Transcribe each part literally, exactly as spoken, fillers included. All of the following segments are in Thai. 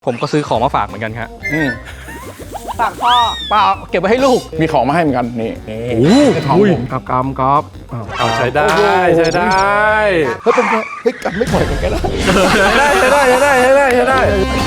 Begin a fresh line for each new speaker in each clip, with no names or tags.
ผมก็ซื้อของมาฝากเหมือนกันครับอืม
ฝากพ่อ
ป้าเก็บไว้ให้ลูก
มีของมาให้เหมือนกันนี่
โอ้
โหผมกับกำก๊อฟ
เอาใช้ได้ใช้ได้
เฮ้ยเป็นไงเฮ้ยกำไม่ปล่อยกันก็ได้
ใช้ได้ใช้ได้ใช้ได้ใช้ได้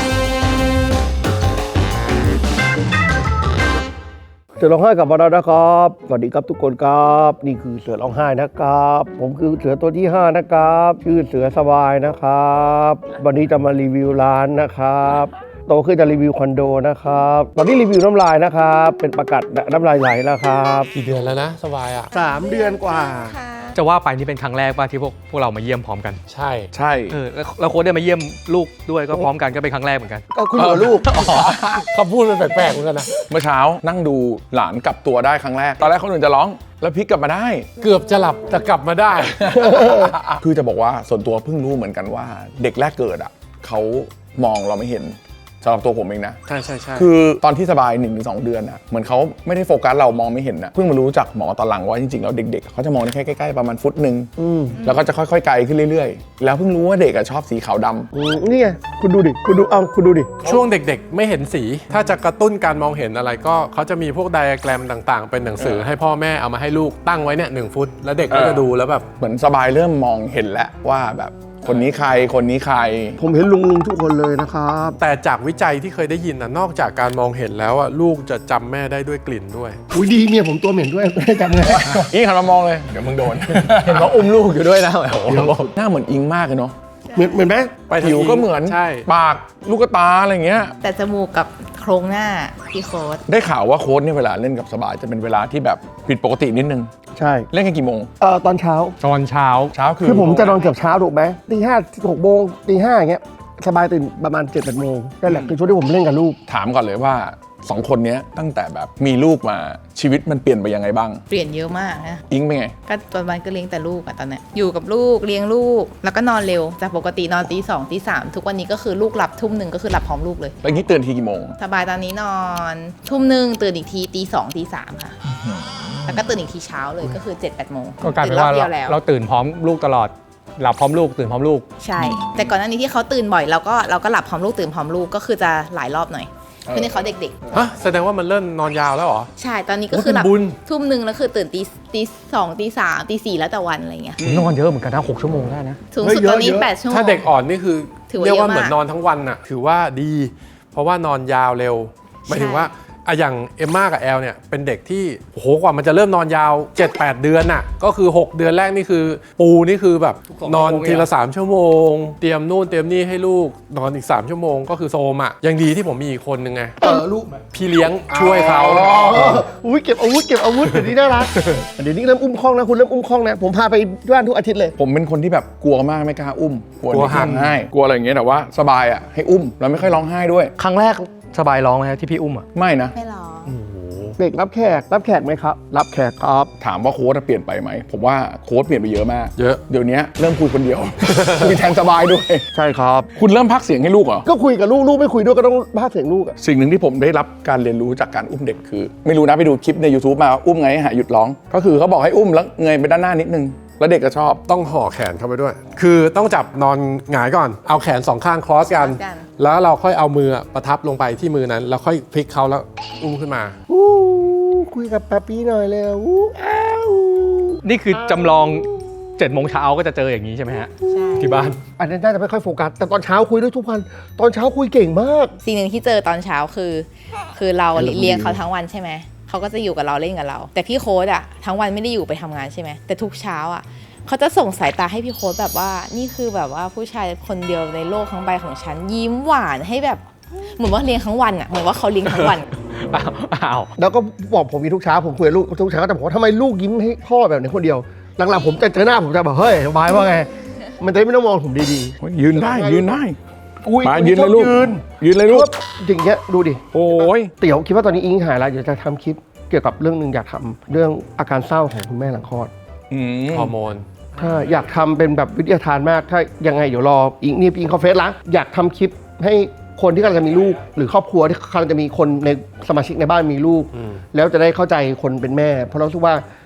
เสือร้องไห้กับเรานะครับสวัสดีครับทุกคนครับนี่คือเสือร้องไห้นะครับผมคือเสือตัวที่ห้านะครับชื่อเสือสบายนะครับวันนี้จะมารีวิวร้านนะครับโตขึ้นจะรีวิวคอนโดนะครับตอนนี้รีวิวน้ำลายนะครับเป็นประกาศน้ำลายไหลแล้วครับ
กี่เดือนแล้วนะสบายอ่ะ
สามเดือนกว่า
จะว่าไปนี่เป็นครั้งแรกป่ะที่พวกพวกเรามาเยี่ยมพร้อมกัน
ใช่
ใช่
เออแล้วโค้ชได้มาเยี่ยมลูกด้วยก็พร้อมกันก็เป็นครั้งแรกเหมือนกัน
ก็คุณกับลูก
เขาพูดเป็นแปลกๆเหมือนกันนะ
เมื่อเช้านั่งดูหลานกลับตัวได้ครั้งแรกตอนแรกคนอื่นจะร้องแล้วพลิกกลับมาได้
เกือบจะหลับแต่กลับมาได้
คือจะบอกว่าส่วนตัวเพิ่งรู้เหมือนกันว่าเด็กแรกเกิดอ่ะเขามองเราไม่เห็นสำหรับตัวผมเองนะ
ใช่ใช่ใช่
คือตอนที่สบาย หนึ่งถึงสอง เดือนอ่ะเหมือนเขาไม่ได้โฟกัสเรามองไม่เห็นนะเพิ่งมารู้จากหมอตอนหลังว่าจริงๆแล้วเด็กๆเขาจะมองได้แค่ใกล้ๆประมาณฟุตหนึ่งแล้วก็จะค่อยๆไกลขึ้นเรื่อยๆแล้วเพิ่งรู้ว่าเด็กชอบสีขาวด
ำนี่ไงคุณดูดิคุณดูเอาคุณดูดิ
ช่วงเด็กๆไม่เห็นสีถ้าจะกระตุ้นการมองเห็นอะไรก็เขาจะมีพวกไดอะแกรมต่างๆเป็นหนังสือให้พ่อแม่เอามาให้ลูกตั้งไว้เนี่ยหนึ่งฟุตแล้วเด็กก็จะดูแล้วแบบ
เหมือนสบายเริ่มมองเห็นแล้วว่าแบบคนนี้ใครคนนี้ใคร
ผมเห็นลุงลุงทุกคนเลยนะครับ
แต่จากวิจัยที่เคยได้ยินนะนอกจากการมองเห็นแล้วอ่ะลูกจะจำแม่ได้ด้วยกลิ่นด้วย
อุ้ยดีเมียผมตัวเหม็นด้วยไม่ได้จำไง
อิงหันมามองเลยเดี๋ยวมึงโดนเห็นเขาอุ้มลูกอยู่ด้วยนะโอ้โหหน้าเหมือนอิงมากเลยเนาะ
เหมือนเหมือนไหม
ผิวก็เหมือนปากลูกตาอะไรเงี้ย
แต่จมูกกับโครงหน้าพี่โค้ด
ได้ข่าวว่าโค้ดเนี่ยเวลาเล่นกับสบายจะเป็นเวลาที่แบบผิดปกตินิดนึง
ใช่
เล่นกันกี่โมง
เอ่อตอนเช้า
ตอนเช้า
เช้าคือ
คือผมจะนอนเกือบเช้าถูกไหมตีห้าหกโมงตีห้าอย่างเงี้ยสบายตื่นประมาณเจ็ดแปดโมงนั่นแหละคือช่วงที่ผมเล่นกับลูก
ถามก่อนเลยว่าสองคนนี้ตั้งแต่แบบมีลูกมาชีวิตมันเปลี่ยนไปยังไงบ้าง
เปลี่ยนเยอะมากนะ
อิงเป็นไง
ก็ตอนวันก็เลี้ยงแต่ลูกอะตอนนี้อยู่กับลูกเลี้ยงลูกแล้วก็นอนเร็วจากปกตินอนตีสองตีสามทุกวันนี้ก็คือลูกหลับทุ่มหนึ่งก็คือหลับพร้อมลูกเลย
แล้วนี้ตื่นทีกี่โมง
สบายตอนนี้นอนทุ่มหนึ่งตื่นอีกทีตีสองตีสามค่ะแล้วก็ตื่นอีกทีเช้าเลยก็คือเจ็ดแปดโมง
ก็กลายเป็นว่าเราตื่นพร้อมลูกตลอดหลับพร้อมลูกตื่นพร้อมลูก
ใช่แต่ก่อนหน้านี้ที่เขาตื่นบ่อยเราก็เราก็หลับพร้อมลูกตื่นพร้อมลูกก็คือจะหลายรอบหน่อยคือในเขาเด็ก
ๆฮะแสดงว่ามันเริ่มนอนยาวแล้วเหรอ
ใช่ตอนนี้ก็คือหลับทุ่มหนึ่งแล้วคือตื่นตีตีสองตีสามตีสี่แล้วแต่วันอะไรเงี้ย
นอนเยอะเหมือนกันนะหกชั่วโมงได้นะ
สูงสุดตอนนี้แปดชั่วโมง
ถ้าเด็กอ่อนนี่คือเรียกว่าเหมือนนอนทั้งวันน่ะถือว่าดีเพราะว่านอนยาวเร็วหมายถึงว่าอะอย่างเอมม่ากับแอลเนี่ยเป็นเด็กที่โอ้โหกว่ามันจะเริ่มนอนยาว เจ็ดแปด เดือนน่ะก็คือหกเดือนแรกนี่คือปูนี่คือแบบนอนทีละสามชั่วโมงเตรียมนู่นเตรียมนี่ให้ลูกนอนอีกสามชั่วโมงก็คือโซมอ่ะยังดีที่ผมมีอีกคนนึงไง
เออลูก
พี่เลี้ยงช่วยเขา
อุ้ยเก็บอาวุธเก็บอาวุธเดี๋ยวนี้น่ารักเดี๋ยวนี้เริ่มอุ้มคล้องนะคุณเริ่มอุ้มคล้องนะผมพาไปบ้านทุกอาทิตย์เลย
ผมเป็นคนที่แบบกลัวมากไม่กล้าอุ้มกลัวห่างให้กลัวอะไรอย่างเงี้ยแต่ว่าสบายอ่ะให้อุ้มแล้วไม่ค่อยร้องไห้ด้วย
ครั้งแรกสบายร้องไหมที่พี่อุ้มอ่ะ
ไม่นะ
ไม่ร้อง
เด็กรับแขกรับแขกไหมครับรับแขกครับ
ถามว่าโค้ชเปลี่ยนไปไหมผมว่าโค้ชเปลี่ยนไปเยอะมาก
เยอะ
เดี๋ยวนี้เริ่มคุยคนเดียวคุยแทนสบายด้วย
ใช่ครับ
คุณเริ่มพักเสียงให้ลูกเหรอ
ก็คุยกับลูกลูกไม่คุยด้วยก็ต้องพักเสียงลูกอะ
สิ่งหนึ่งที่ผมได้รับการเรียนรู้จากการอุ้มเด็กคือไม่รู้นะไปดูคลิปใน YouTube มาอุ้มไงให้หาหยุดร้องก็คือเขาบอกให้อุ้มแล้วเงยไปด้านหน้านิดนึงแล้วเด็กก็ชอบ
ต้องห่อแขนเข้าไปด้วยคือต้องจับนอนหงายก่อนเอาแขนสองข้างครอสกันแล้วเราค่อยเอามือประทับลงไปที่มือนั้นแล้วค่อยพลิกเขาแล้วอุ้มขึ้นมา
คุยกับป๊าปี้หน่อยเลยอู้อ้าว
นี่คือจำลองเจ็ดโมงเช้าก็จะเจออย่างนี้ใช่ไหมฮะ
ใช่
ที่บ้าน
อันนั้นน่าจะไม่ค่อยโฟกัสแต่ตอนเช้าคุยด้วยทุกวันตอนเช้าคุยเก่งมาก
สิ่งหนึ่งที่เจอตอนเช้าคือคือเราเลี้ยงเขาทั้งวันใช่ไหมเขาก็จะอยู่กับเราเล่นกับเราแต่พี่โค้ดอะทั้งวันไม่ได้อยู่ไปทำงานใช่ไหมแต่ทุกเช้าอะเขาจะส่งสายตาให้พี่โค้ดแบบว่านี่คือแบบว่าผู้ชายคนเดียวในโลกทั้งใบของฉันยิ้มหวานให้แบบเหมือนว่าเลี้ยงทั้งวันอะเหมือนว่าเขาเลี้ยงทั้งวัน
อ้าว
แล้วก็บอกผมมีทุกเช้าผมคุยกับลูกทุกเช้าแต่ผมว่าทำไมลูกยิ้มให้พ่อแบบนี้คนเดียวหลังๆผมจะเจอหน้าผมจะแบบเฮ้ยสบายว่าไงมันจะไม่ต้องมองผมดี
ๆยืนได้ยืนได้
มา
ยืนเลยลูกยืนเลยลูก
อย่างเงี้ยดูดิ
โอ้ย
เตี๋ยวคิดว่าตอนนี้อิงหายแล้วเดี๋ยวจะทำคลิปเกี่ยวกับเรื่องนึงอยากทำเรื่องอาการเศร้าของคุณแม่หลังคลอด
ฮอร์โมน
ถ้าอยากทำเป็นแบบวิทยาทานมากถ้ายังไงเดี๋ยวรออิงนี่อิงเขาเฟซละอยากทำคลิปให้คนที่กำลังจะมีลูกหรือครอบครัวที่กำลังจะมีคนในสมาชิกในบ้านมีลูกแล้วจะได้เข้าใจคนเป็นแม่เพราะเราคิดว่า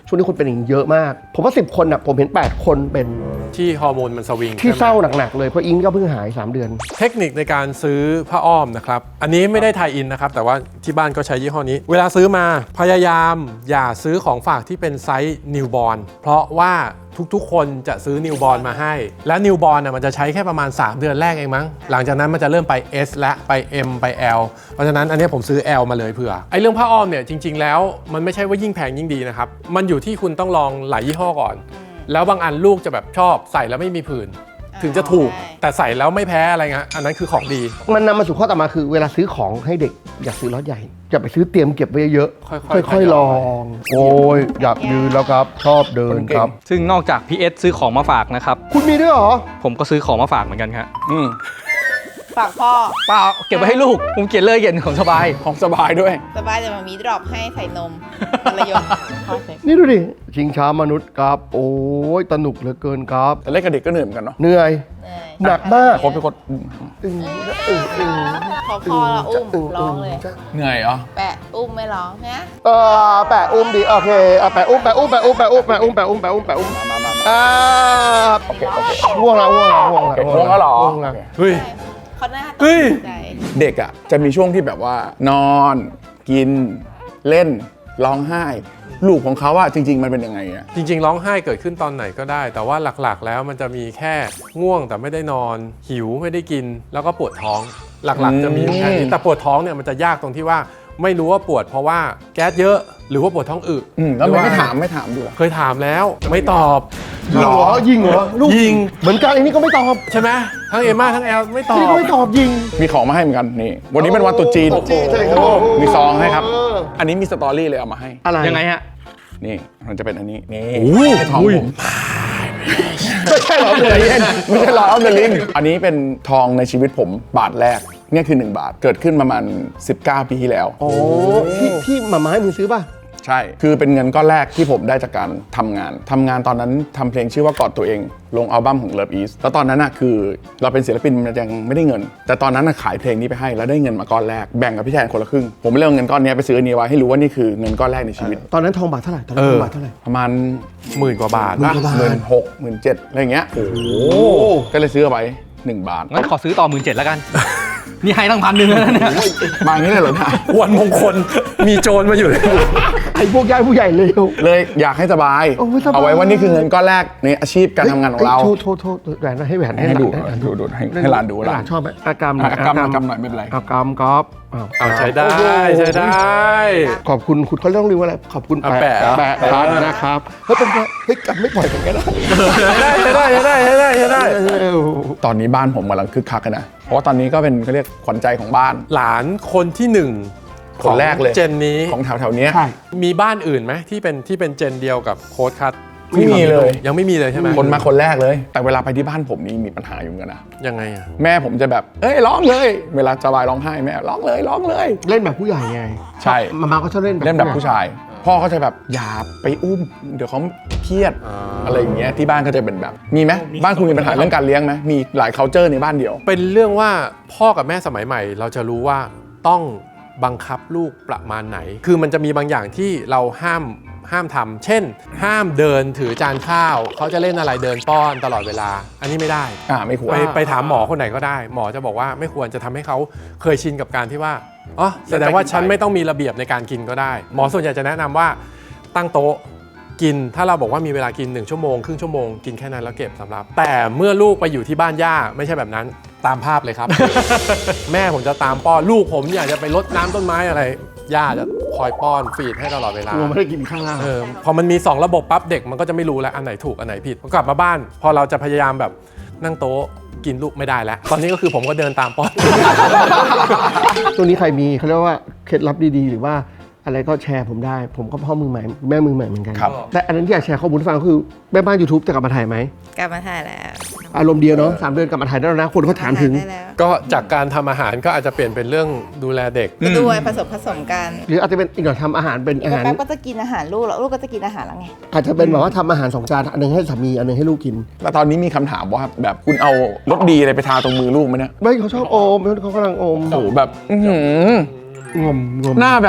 ช่วงนี้คนเป็นอย่างนี้เยอะมาก ผมว่าสิบคนอ่ะผมเห็นแปดคนเป็น
ที่ฮอร์โมนมันสวิง
ที่
ใช่ไหม
เศร้าหนักๆเลยเพราะอิงก็เพิ่งหายสามเดือน
เทคนิคในการซื้อผ้าอ้อมนะครับอันนี้ไม่ได้ไทยอินนะครับแต่ว่าที่บ้านก็ใช้ยี่ห้อนี้ เวลาซื้อมาพยายามอย่าซื้อของฝากที่เป็นไซส์นิวบอร์นเพราะว่าทุกๆคนจะซื้อนิวบอร์นมาให้และนิวบอร์นมันจะใช้แค่ประมาณสามเดือนแรกเองมั้งหลังจากนั้นมันจะเริ่มไป S และไป M ไป L เพราะฉะนั้นอันนี้ผมซื้อ L มาเลยเผื่อไอ้เรื่องผ้าอ้อมเนี่ยจริงๆแล้วมันไม่ใช่ว่ายิ่งแพงยิ่งดีนะครับมันอยู่ที่คุณต้องลองหลายยี่ห้อก่อนแล้วบางอันลูกจะแบบชอบใส่แล้วไม่มีผื่นถึงจะถูกแต่ใส่แล้วไม่แพ้อะไรเงี้ยอันนั้นคือของดี
มันนำมาสู่ข้อต่อมาคือเวลาซื้อของให้เด็กอย่าซื้อล็อตใหญ่อย่าไปซื้อเตรียมเก็บไว้เยอะ
ค่อยๆ
ค่อย
ทยอย
ๆลอง โอ้ยอยากยืนแล้วครับ ชอบเดินครับ
ซึ่งนอกจากพีเอสซื้อของมาฝากนะครับ
คุณมีด้วยเหรอ
ผมก็ซื้อของมาฝากเหมือนกันครับ
อืม
ฝากพ่อ
เปล่าเก็บไว้ให้ลูกผมเขียนเลยเขียนของสบาย
ของสบายด้วย
สบายแต่มามีดรอปให้ใส่นมภรรยนพ่อเซ็ก
นี่ดูดิ ชิงช้ามนุษย์ครับ โอ้ยสนุกเหลือเกินครับ
แต่เล่นกับเด็กก็เหนื่อยเหมือนกันเนาะ
เหนื่อย หนักมาก
โค้ชเป็นคน
อึ้งอึ้งอึ้ง
พอพ่อเราอุ้มร้องเลย
เหนื่อยเหรอ
แปะอุ้มไม่ร้องนะ
เออแปะอุ้มดิโอเคเอาแปะอุ้มแปะอุ้มแปะอุ้มแปะอุ้มแปะอุ้มแปะอุ้มแปะอุ้มแปะอุ้ม
มามามา
อ่า
โอเคโอเค
ง่วงแล้วง่วงแล้วง่วงแล้ว
โอเคง่วงแล้วเหรอ
ง่วงแล้ว
เฮ้ย
เขาหน้าต
เฮ้ย
กใจ
เด็กอ่ะจะมีช่วงที่แบบว่า นอน กิน เล่น ร้องไห้ ลูกของเขาอะจริง ๆ มันเป็นยังไงอะ
จริงๆร้องไห้เกิดขึ้นตอนไหนก็ได้ แต่ว่าหลักๆแล้วมันจะมีแค่ง่วงแต่ไม่ได้นอน หิวไม่ได้กิน แล้วก็ปวดท้องหลักๆจะมีแค่นี้แต่ปวดท้องเนี่ยมันจะยากตรงที่ว่าไม่รู้ว่าปวดเพราะว่าแก๊สเยอะหรือว่าปวดท้องอึ
อืมแล้ว
หรือ
ไม่
ว่า
ถามไม่ถามดูเหรอ
เคยถามแล้วไม่ตอบ
ยิงเหรอยิงเหรอลูก
ยิง
เหมือนกันอันนี้ก็ไม่ตอบ
ใช่ไหมทั้งเอมม่าทั้งแอลไม่ตอ
อันนี้
บ
ก็ไม่ตอบยิง
มีของมาให้เหมือนกันนี่ วันนี้เป็นวันตรุษจีน
โอ้โหใช่ครับ
มีซองให้ครับ
เออ
อันนี้มีสตอรี่เลยเอามาให้
อะไร
ยังไงฮะ
นี่มันจะเป็นอันนี้นี่
โอ้ย
ทองผมไม่ใช่หรอเลยเย็นไม่ใช่หรอเอาเดลิงอันนี้เป็นทองในชีวิตผมบาทแรกเนี่ยคือหนึ่งบาทเกิดขึ้นประมาณสิบเก้าปีที่แล้ว
โอ้ที่ที่หมาม้าให้มึงซื้อป่ะ
ใช่ คือเป็นเงินก้อนแรกที่ผมได้จากการทำงาน ทำงานตอนนั้นทำเพลงชื่อว่ากอดตัวเอง ลงอัลบั้มของ Love East แล้วตอนนั้นน่ะคือเราเป็นศิลปินมันยังไม่ได้เงิน แต่ตอนนั้นน่ะขายเพลงนี้ไปให้แล้วได้เงินมาก้อนแรก แบ่งกับพี่แทนคนละครึ่ง ผมไม่เลือกเงินก้อนนี้ไปซื้ออันนี้ไว้ให้รู้ว่านี่คือเงินก้อนแรกในชีวิต
ตอนนั้นทองบาทเท่าไหร่ตอนนั้นทองบาทเท่าไหร่
ประมาณ
หมื่นกว่าบาท
หมื่นกว่าบาท
หมื่นหกหมื่นเจ็ดอะไรอย่างเงี้ย โอ้โห ก็เลยซื้อเอาไว้หนึ่งบาท
งั้นขอซื้อต่อหมื่นเจ็ดแล้วกัน นี่ให้ตั้งพันหนึ่งแล้วนะเนี่ย
มาอย่างนี้เลยเหรอเนี่ย
วันมงคลมีโจรมาอยู่เลย
ไอ้พวกญาติผู้ใหญ่เลว
เลยอยากให้สบาย
โอ้ยสบาย
เอาไว้ว่านี่คือเงินก้อนแรกในอาชีพการทำงานของเรา
โทษโทษโทษแหวนให้แหวนให้
ให้
หลา
ดู
นให้
ดูดูให้ให้หลานดู
ห
ห
ลา
ลาน น
ชอบไหมอากรรม
อ่ะอากรรมอากรรมหน่อยไม่เป็นไร
อากรรมก๊อฟอ้าว
เอาใช้ได้
โอ้โห
ใช้ได้
ขอบคุณคุณเขาเรื่องเรียกว่าอะไรขอบคุณ
อ่ะแปะ
แปะพัดนะครับเฮ้ยเป็นไงเฮ้ยกลับไม่ปล่อยกันก็ได้
ใช้ได้ใช้ได้ใช้ได้ใช้ได้ใช้ได้
ตอนนี้บ้านผมกำลังคึกคักกันนะ เพราะว่าตอนนี้ก็เป็นเขาเรียกขวัญใจของบ้าน
หลานคนที่หนึ่ง
คนแรกเลย
เจนนี้
ของแถวแถวๆเนี้ย
ใช่
มีบ้านอื่นไหมที่เป็นที่เป็นเจนเดียวกับโค้ดคัท
ไม่มีเลย
ยังไม่มีเลยใช่ไหม
คนมาคนแรกเลย แต่เวลาไปที่บ้านผมนี่มีปัญหาอยู่เหมือนกันนะ
ยังไงอ่ะ
แม่ผมจะแบบ เอ้ยร้องเลย เวลาสบายร้องไห้แม่ร้องเลยร้องเลย
เล่นแบบผู้ใหญ่ไง
ใช่
มามาก็ชอบเล่น
เล่นแบบผู้ชาย พ่อเขาจะแบบอย่าไปอุ้ม เดี๋ยวเขาเครียด
อ่า
อะไรอย่างเงี้ยที่บ้านก็จะเป็นแบบ มีไหมบ้านคุณมีปัญหาเรื่องการเลี้ยงไหมมีหลาย culture ในบ้านเดียว
เป็นเรื่องว่าพ่อกับแม่สมัยใหม่ เราจะรู้ว่าต้องบังคับลูกประมาณไหน คือมันจะมีบางอย่างที่เราห้ามห้ามทำเช่น ห้ามเดินถือจานข้าวเขาจะเล่นอะไรเดินป้อนตลอดเวลา อันนี้ไม่ได้
อ่าไม่ควร
ไปไปถามหมอคนไหนก็ได้ หมอจะบอกว่าไม่ควรจะทำให้เขาเคยชินกับการที่ว่าอ๋อแสดงว่าฉันไม่ต้องมีระเบียบในการกินก็ได้ หมอส่วนใหญ่จะแนะนำว่าตั้งโต๊ะกิน ถ้าเราบอกว่ามีเวลากินหนึ่งชั่วโมงครึ่งชั่วโมงกินแค่นั้นแล้วเก็บสำรับ แต่เมื่อลูกไปอยู่ที่บ้านย่าไม่ใช่แบบนั้นตามภาพเลยครับ แม่ผมจะตามป้อนลูกผมอยากจะไปรดน้ำต้นไม้อะไรย่าจะคอยป้อนฟีดให้ตลอดเวลา
กลัวไม่ได้กินข้าว
เออพอมันมีสองระบบปั๊บเด็กมันก็จะไม่รู้แล้วอันไหนถูกอันไหนผิดพอกลับมาบ้าน พอเราจะพยายามแบบนั่งโต๊ะกินลูกไม่ได้แล้ว ตอนนี้ก็คือผมก็เดินตามป้อน
ตัวนี้ใครมีเขาเรียกว่าเคล็ดลับดีๆ หรือว่าอะไรก็แชร์ผมได้ ผมก็พ่อมือใหม่แม่มือใหม่เหมือนกัน
ครับ
แต่อันนั้นที่อยากแชร์ข้อมูลให้ฟังก็คือแม่บ้าน YouTube จะกลับมาถ่ายไหม
กลับมาถ่ายแล้ว
อารมณ์เดียวเนาะสามเดือนกลับมาถ่ายได้แล้วนะคนเขาถามถึง
ได้แล้ว
ก็จากการทำอาหารก็อาจจะเปลี่ยนเป็นเรื่องดูแลเด็ก
ก็ด้วยผสมผสมกัน
หรืออาจจะเป็นอีกหน่อยทำอาหารเป็นอาหาร
แป๊บก็จะกินอาหารลูกแล้วลูกก็จะกินอาหารแล้วไง
อาจจะเป็นแบบว่าทำอาหารสองจานอันหนึงให้สามีอันหนึงให้ลูกกิน
แล้วตอนนี้มีคำถามว่าแบบคุณเอารสดีอะไรไปทาตรงมือลูกไหมเนี่ย
ไม่เขาชอบอมเขากำลังอม
โอ้โหแบบอื้อหือง
มงม
หน้าแบบ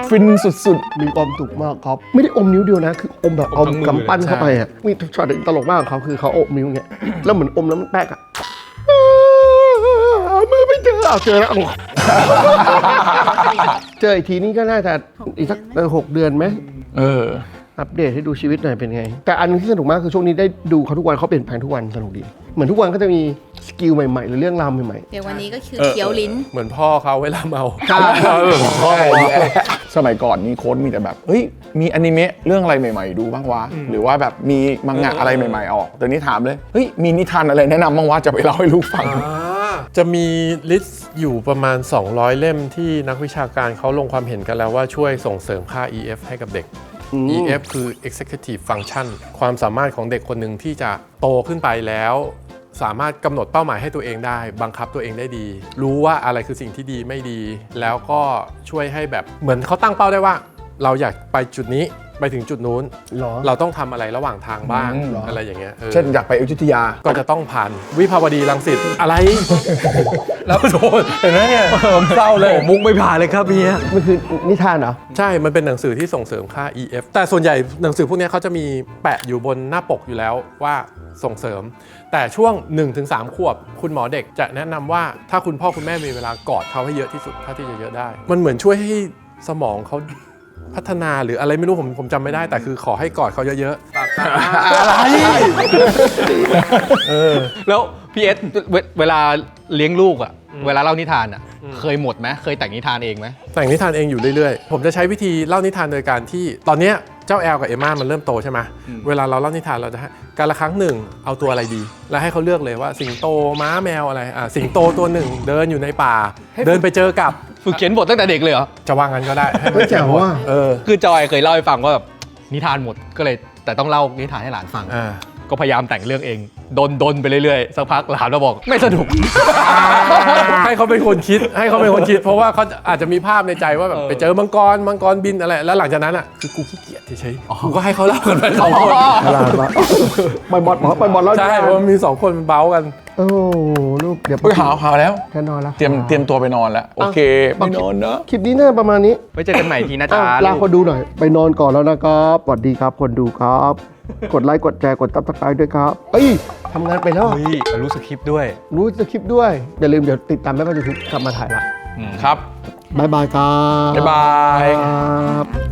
ฟินสุด
มีความสุขมากครับ ไม่ได้อมนิ้วเดียวนะ คืออมแบบเอากำปั้นเข้าไปอ่ะมีช็อตตลกมากของเขาคือเขาอมนิ้วเนี่ยแล้วเหมือนอมแล้วมันแตกอ่ะมือไม่เจอเอาเจอแล้วเจออีกทีนี้ก็น่าจะอีกสักหกเดือนไหม
ๆ เออ
อัปเดตให้ดูชีวิตหน่อยเป็นไง แต่อันที่สนุกมากคือช่วงนี้ได้ดูเขาทุกวันเขาเปลี่ยนแปลงทุกวันสนุกดี เหมือนทุกวันก็จะมีสกิลใหม่ๆ หรือเรื่องราวใหม่
เดี๋ยววันนี้ก็คือ
เออ
เคี้ยวลิ้น
เหมือนพ่อเขาเวลาเมา
ๆครับ
สมัยก่อนนี่โค้ดมีแต่แบบ เฮ้ย มีอนิเมะเรื่องอะไรใหม่ๆ ดูบ้างวะ หรือว่าแบบมีมังงะอะไรใหม่ๆ ออก แต่นี้ถามเลย เฮ้ย มีนิทานอะไรแนะนำบ้างวะ จะไปเล่าให้ลูกฟัง
จะมีลิสต์อยู่ประมาณ สองร้อย เล่มที่นักวิชาการเขาลงความเห็นกันแล้วว่าช่วยส่งเสริมค่า อี เอฟ ให้กับเด็ก อี เอฟ คือ Executive Function ความสามารถของเด็กคนหนึ่งที่จะโตขึ้นไปแล้ว สามารถกำหนดเป้าหมายให้ตัวเองได้ บังคับตัวเองได้ดี รู้ว่าอะไรคือสิ่งที่ดีไม่ดี แล้วก็ช่วยให้แบบเหมือนเขาตั้งเป้าได้ว่า เราอยากไปจุดนี้ไปถึงจุดนู้น
หรอ
เราต้องทำอะไรระหว่างทางบ้าง
อืมเหรออ
อะไรอย่างเงี้ยออ
เช่นอยากไปอยุธยา
ก็จะต้องผ่านวิภาวดีรังสิตอะไร แล้วโดนเห็นไหมเนี่ยผมเศร้าเลย
โอ้มุกไม่ผ่านเลยครับเฮีย
มันคือนิทานเหรอ
ใช่ มันเป็นหนังสือที่ส่งเสริมค่า อี เอฟ แต่ส่วนใหญ่หนังสือพวกนี้เขาจะมีแปะอยู่บนหน้าปกอยู่แล้วว่าส่งเสริม แต่ช่วง หนึ่งถึงสาม ขวบ คุณหมอเด็กจะแนะนำว่าถ้าคุณพ่อคุณแม่มีเวลากอดเขาให้เยอะที่สุดเท่าที่จะเยอะได้ มันเหมือนช่วยให้สมองเขาพัฒนาหรืออะไรไม่รู้ผมผมจำไม่ได้แต่คือขอให้กอดเขาเยอะๆ อะไร
แล้วพี่เอสเวเวลาเลี้ยงลูกอะเวลาเล่านิทานอะเคยหมดไหมเคยแต่งนิทานเองไหม
แต่งนิทานเองอยู่เรื่อยๆ ผมจะใช้วิธีเล่านิทานโดยการที่ตอนเนี้ยเจ้าแอลกับเอมม่ามันเริ่มโตใช่ไหมเวลาเราเล่านิทานเราจะให้การละครั้งหนึ่งเอาตัวอะไรดี แล้วให้เขาเลือกเลยว่าสิงโตม้าแมวอะไรอ่ะสิงโตตัวหนึ่งเดินอยู่ในป่า เดินไปเจอกับ
ฝึกเขียนบทตั้งแต่เด็กเลยเหรอ
จะว่างั้นก็ได้ให้มัน
เฮ้ยแจ๋วว่ะ
เออ
คือจอยเคยเล่าให้ฟังว่าแบบนิทานหมดก็เลยแต่ต้องเล่านิทานให้หลานฟัง
อ่า
ก็พยายามแต่งเรื่องเองดนดนไปเรื่อยๆสักพักหลานมาบอกไม่สนุก
ให้เขาเป็นคนคิดให้เขาเป็นคนคิด เพราะว่าเขาอาจจะมีภาพในใจว่าแบบ
เออ
ไปเจอมังกรมังกรบินอะไรแล้วหลังจากนั้นอ่ะคือกูขี้เกียจเฉยๆกูก็ให้เขาเล่ากันไปสองคน
ฉลาดมากไปบอลหมอไปบอลแล้ว
ใช่เพราะมันมีสองคนมันเบ้ากัน
โอ้ลูกเดี๋ยว
เฮ้ยหาวหาวแล้ว
แค่นอนแล้ว
เตรียมเตรียมตัวไปนอนแล้ว โอเคไปนอนเนอะ
คลิปนี้น่าจะประมาณนี้
ไว้เจอกันใหม่ทีนะจ๊ะ
อ้าวลาคนดูหน่อย ไปนอนก่อนแล้วนะครับสวัสดีครับคนดูครับ กดไลค์กดแชร์กดซับสไครต์ด้วยครับเอ้ยทำงานไปแล้ว
เฮ้ยรู้สคริปต์ด้วย
รู้สคริปต์ด้วย อย่าลืมเดี๋ยวติดตามแม่บ้านยูทูบกลับมาถ่ายละ
ครับ
บายบายครับ
บ๊ายบาย
ครับ